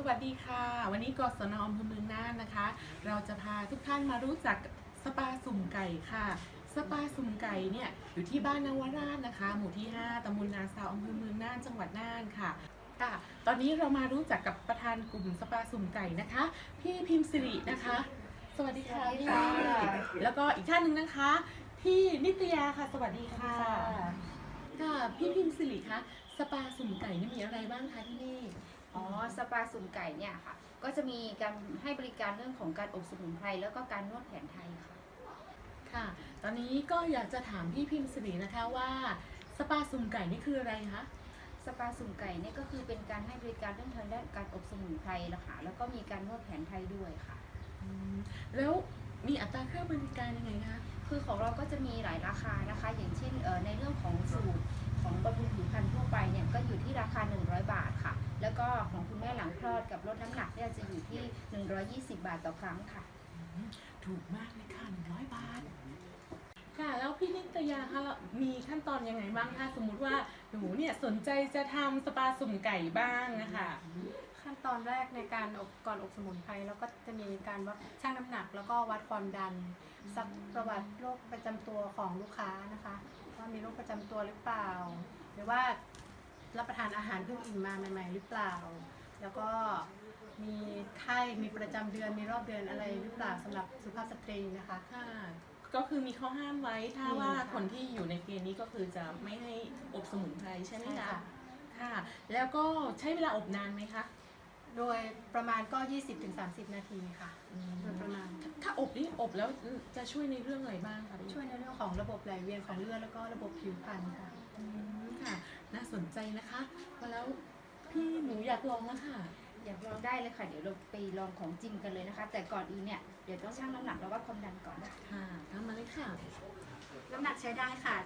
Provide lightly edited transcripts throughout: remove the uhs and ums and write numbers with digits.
วัสดีค่ะวันนี้กศน.อำเภอเมืองน่านนะคะ เราจะพาทุกท่านมารู้จักสปาสุ่มไก่ค่ะสปาสุ่มไก่เนี่ยอยู่ที่บ้านนวราชนะคะหมู่ที่ 5ตำบลนาซาวอำเภอเมืองน่านจังหวัดน่านค่ะตอนนี้เรามารู้จักกับประธานกลุ่มสปาสุ่มไก่นะคะพี่พิมพ์สิรินะคะสวัสดีค่ะพี่แล้วก็อีกท่านหนึ่งนะคะพี่นิตยาค่ะสวัสดีค่ะพี่พิมพ์สิริคะสปาสุ่มไก่นี่มีอะไรบ้างคะที่นี่สปาสุ่มไก่เนี่ยค่ะก็จะมีการให้บริการเรื่องของการอบสมุนไพรแล้วก็การนวดแผนไทยค่ะตอนนี้ก็อยากจะถามพี่พิมพ์สิรินะคะว่าสปาสุ่มไก่นี่คืออะไรคะสปาสุ่มไก่เนี่ยก็คือเป็นการให้บริการเรื่องทางด้านการอบสมุนไพรละค่ะแล้วก็มีการนวดแผนไทยด้วยค่ะแล้วมีอัตราค่าบริการยังไงคะคือของเราก็จะมีหลายราคานะคะอย่างเช่นในเรื่องของสูตรของบำรุงผิวพรรณทั่วไปเนี่ยก็อยู่ที่ราคา100 บาทค่ะแล้วก็ของคุณแม่หลังคลอดกับลดน้ำหนักเนี่ยจะอยู่ที่120 บาทต่อครั้งค่ะถูกมากเลยค่ะ100 บาทค่ะแล้วพี่นิตยาคะมีขั้นตอนยังไงบ้างถ้าสมมุติว่าหนูเนี่ยสนใจจะทำสปาสุ่มไก่บ้างนะคะขั้นตอนแรกในการก่อนอบสมุนไพรแล้วก็จะมีการวัดชั่งน้ำหนักแล้วก็วัดความดันซักประวัติโรคประจำตัวของลูกค้านะคะว่ามีโรคประจำตัวหรือเปล่าหรือว่ารับประทานอาหารเพิ่งอิ่มมาใหม่ๆหรือเปล่าแล้วก็มีไข้มีประจำเดือนมีรอบเดือนอะไรหรือเปล่าสำหรับสุภาพสตรีนะคะก็คือมีข้อห้ามไว้ถ้าว่าคนที่อยู่ในเกณฑ์นี้ก็คือจะไม่ให้อบสมุนไพรใช่ไหมคะค่ะแล้วก็ใช้เวลาอบนานไหมคะโดยประมาณก็ 20-30 นาทีค่ะโดยประมาณถ้าอบนี่อบแล้วจะช่วยในเรื่องอะไรบ้างคะช่วยในเรื่องของระบบไหลเวียนของเลือดแล้วก็ระบบผิวพรรณค่ะค่ะน่าสนใจนะคะแล้วพี่หนูอยากลองนะค่ะอยากลองได้เลยค่ะเดี๋ยวเราไปลองของจริงกันเลยนะคะแต่ก่อนอื่นเนี่ยเดี๋ยวต้องชั่งน้ำหนักแล้ววัดความดันก่อนค่ะทำมาเลยค่ะน้ำหนักใช้ได้ค่ะ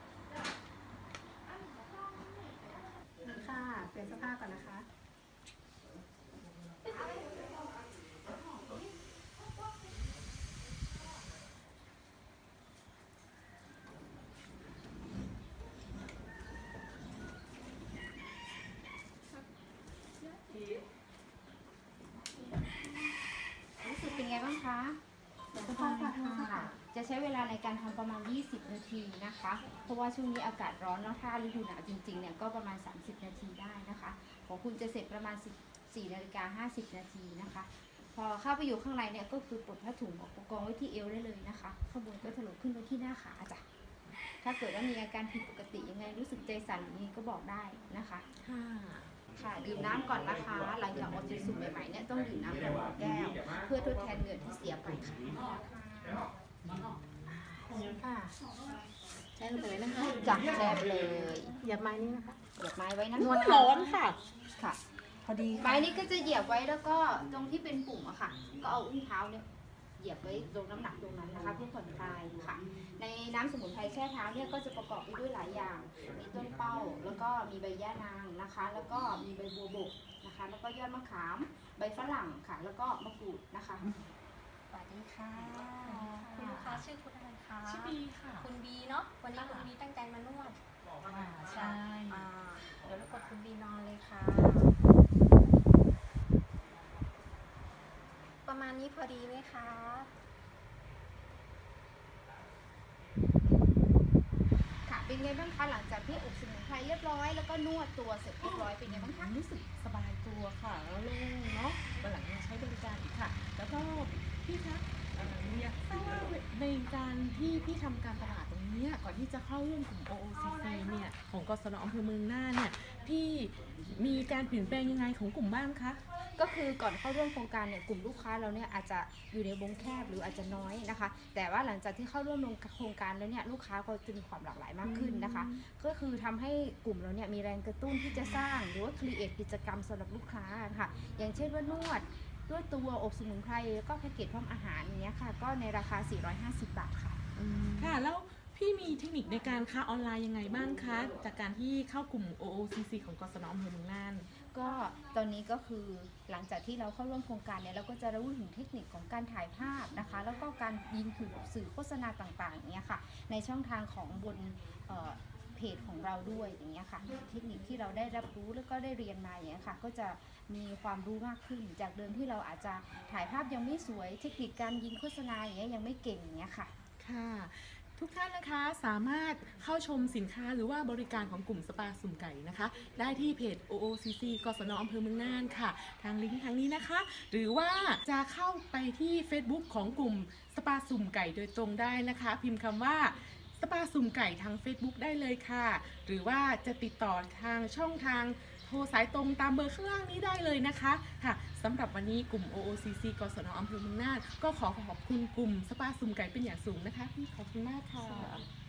ค่ะเปลี่ยนเสื้อผ้าก่อนนะคะรู้สึกเป็นไงบ้างคะจะใช้เวลาในการทำประมาณ20 นาทีนะคะเพราะว่าช่วงนี้อากาศร้อนแล้วถ้าฤดูหนาวจริงๆเนี่ยก็ประมาณ30 นาทีได้นะคะของคุณจะเสร็จประมาณ14:50 นาทีนะคะพอเข้าไปอยู่ข้างในเนี่ยก็คือปลดผ้าถุงออกกองไว้ที่เอวได้เลยนะคะข้างบนก็ถลกขึ้นไปที่หน้าขาจ้ะถ้าเกิดว่ามีอาการผิดปกติยังไงรู้สึกใจสั่นอย่างนี้ก็บอกได้นะคะค่ะดื่มน้ำก่อนนะคะหลังจากออกจากสุ่มใหม่ๆเนี่ยต้องดื่มน้ำก่อน1 แก้วเพื่อทดแทนเหงื่อที่เสียไปค่ะใช้ลงไปเลยนะคะจับแชร์เลยเหยียบไม้นี้นะคะเหยียบไม้ไว้นะนวดร้อนค่ะพอดีไม้นี้ก็จะเหยียบไว้แล้วก็ตรงที่เป็นปุ่มอะค่ะก็เอาอุ้งเท้าเนี่ยเหยียบไว้ตรงน้ำหนักตรงนั้นนะคะเพื่อผ่อนคลายค่ะในน้ำสมุนไพรแช่เท้าเนี่ยก็จะประกอบไปด้วยหลายอย่างมีต้นเป้าแล้วก็มีใบย่านางนะคะแล้วก็มีใบบัวบกนะคะแล้วก็ยอดมะขามใบฝรั่งค่ะแล้วก็มะกรูดนะคะสวัสดีค่ะคุณลูกค้าชื่อคุณอะไรคะชื่อบีค่ะคุณบีเนาะวันนี้คุณบีตั้งใจมานวดใช่เดี๋ยวรบกวนคุณบีนอนเลยค่ะประมาณนี้พอดีไหมคะค่ะเป็นไงบ้างคะหลังจากที่อบสมุนไพรเรียบร้อยแล้วก็นวดตัวเสร็จเรียบร้อยเป็นไงบ้างคะรู้สึกสบายตัวค่ะแล้วโล่งเนาะวันหลังมาใช้บริการอีกค่ะแล้วก็พี่คะอยากทราบว่าในการที่พี่ทำการตลาดตรงนี้ก่อนที่จะเข้าร่วมกลุ่ม OOCC เนี่ยของกศน.อำเภอเมืองน่านเนี่ยพี่มีการเปลี่ยนแปลงยังไงของกลุ่มบ้างคะก็คือก่อนเข้าร่วมโครงการเนี่ยกลุ่มลูกค้าเราเนี่ยอาจจะอยู่ในวงแคบหรืออาจจะน้อยนะคะแต่ว่าหลังจากที่เข้าร่วมโครงการแล้วเนี่ยลูกค้าก็จะมีความหลากหลายมากขึ้นนะคะก็คือทำให้กลุ่มเราเนี่ยมีแรงกระตุ้นที่จะสร้างหรือว่าครีเอทกิจกรรมสำหรับลูกค้าค่ะอย่างเช่นว่านวดด้วยตัวอบสมุนไพรแล้วก็แพ็กเกจพร้อมอาหารอย่างเงี้ยค่ะก็ในราคา450 บาทค่ะค่ะแล้วพี่มีเทคนิคในการค้าออนไลน์ยังไงบ้างคะจากการที่เข้ากลุ่ม OOCC ของกศน.อำเภอเมืองน่านก็ตอนนี้ก็คือหลังจากที่เราเข้าร่วมโครงการเนี่ยเราก็จะรู้ถึงเทคนิคของการถ่ายภาพนะคะแล้วก็การยิงสื่อโฆษณาต่างๆเนี่ยค่ะในช่องทางของบนเพเพจของเราด้วยอย่างเงี้ยค่ะเทคนิคที่เราได้รับรู้แล้วก็ได้เรียนมาอย่างเงี้ยค่ะก็จะมีความรู้มากขึ้นจากเดิมที่เราอาจจะถ่ายภาพยังไม่สวยเทคนิคการยิงโฆษณาอย่างเงี้ยยังไม่เก่งอย่างเงี้ยค่ะค่ะ ทุกท่านนะคะสามารถเข้าชมสินค้าหรือว่าบริการของกลุ่มสปาสุ่มไก่นะคะได้ที่เพจ OOCC กศนอำเภอเมืองน่านค่ะทางลิงก์ทางนี้นะคะ หรือว่าจะเข้าไปที่ Facebook ของกลุ่มสปาสุ่มไก่โดยตรงได้นะคะ พิมพ์คำว่าสปาสุ่มไก่ทาง Facebook ได้เลยค่ะ หรือว่าจะติดต่อทางช่องทางโทรสายตรงตามเบอร์ข้างล่างนี้ได้เลยนะคะค่ะสำหรับวันนี้กลุ่ม OOCC กศนอำเภอเมืองน่านก็ขอขอบคุณกลุ่มสปาสุ่มไก่เป็นอย่างสูงนะคะพี่ขอบคุณมากค่ะ